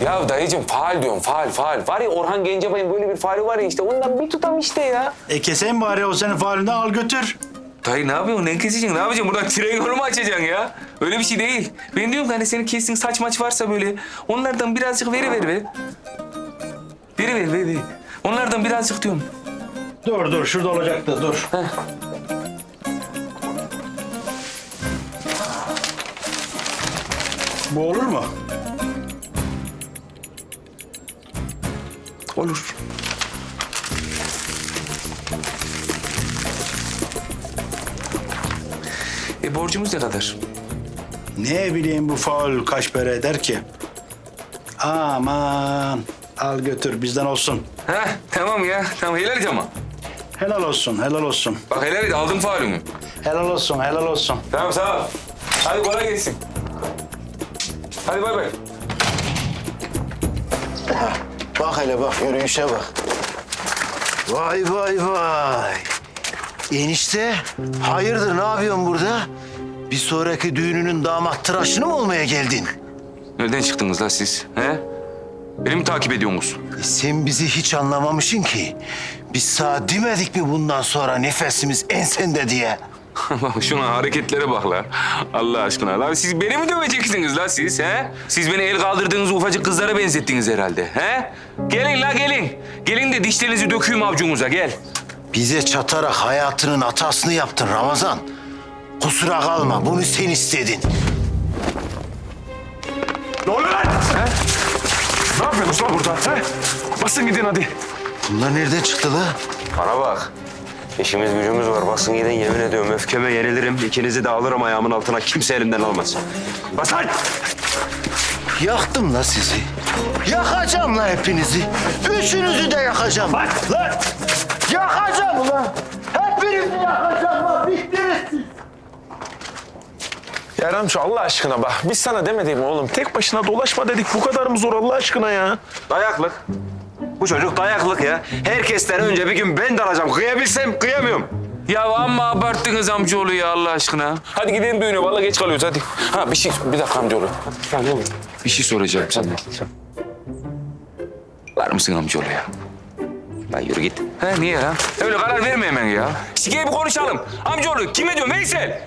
Ya dayıcığım faal diyorum faal. Var ya Orhan Gencebay'ın böyle bir faali var ya işte ondan bir tutam işte ya. Keseyim bari o senin faalini al götür. Dayı ne yapıyorsun? Ne keseceksin? Ne yapacaksın? Buradan tren yolu mu açacaksın ya? Öyle bir şey değil. Ben diyorum ki hani senin kestiğin saç maç varsa böyle onlardan birazcık veriver be. Ver. Onlardan birazcık diyorum. Dur şurada olacaktı dur. Bu olur mu? Olur. Borcumuz ne kadar? Ne bileyim bu faul kaç para eder ki? Aman al götür bizden olsun. Ha tamam ya. Tamam helal et ama. Helal olsun. Bak helal et aldım faalümü. Helal olsun. Tamam sağ ol. Hadi kolay gelsin. Hadi bay bay. Bak hele bak, yürüyüşe bak. Vay. Enişte, hayırdır ne yapıyorsun burada? Bir sonraki düğününün damat tıraşını mı olmaya geldin? Nereden çıktınız la siz? He? Beni mi takip ediyorsunuz? Sen bizi hiç anlamamışsın ki. Biz sana demedik mi bundan sonra nefesimiz ensende diye? Bak şuna hareketlere bak la. Allah aşkına. La siz beni mi döveceksiniz la siz? He? Siz beni el kaldırdığınız ufacık kızlara benzettiniz herhalde. He? Gelin la gelin. Gelin de dişlerinizi döküyüm avcunuza gel. Bize çatarak hayatının hatasını yaptın Ramazan. Kusura kalma, bunu sen istedin. Ne oluyor lan? Ne yapıyorsunuz lan burada? He? Basın gidin hadi. Bunlar nereden çıktı la? Bana bak. İşimiz gücümüz var. Basın gidin yemin ediyorum. Öfkeme yenilirim. İkinizi de alırım ayağımın altına. Kimse elimden almaz. Bas lan! Yaktım la sizi. Yakacağım la hepinizi. Üçünüzü de yakacağım. Bak lan! Yakacağım ulan. Hepinizi yakacağım lan. Bittiniz siz. Ya Ramço Allah aşkına bak. Biz sana demedik mi oğlum? Tek başına dolaşma dedik. Bu kadar mı zor Allah aşkına ya? Dayaklık. Bu çocuk dayaklık ya. Herkesten önce bir gün ben de alacağım. Kıyabilsem kıyamıyorum. Ya amma abarttınız amcaoğlu ya Allah aşkına. Hadi gidelim düğüne. Vallahi geç kalıyoruz hadi. Ha bir dakika amcaoğlu. Bir şey soracağım sana. Var mısın amcaoğlu ya? Lan yürü git. He niye ya? Öyle karar verme hemen ya. Sikeye bir konuşalım. Amcaoğlu kime diyorsun Veysel?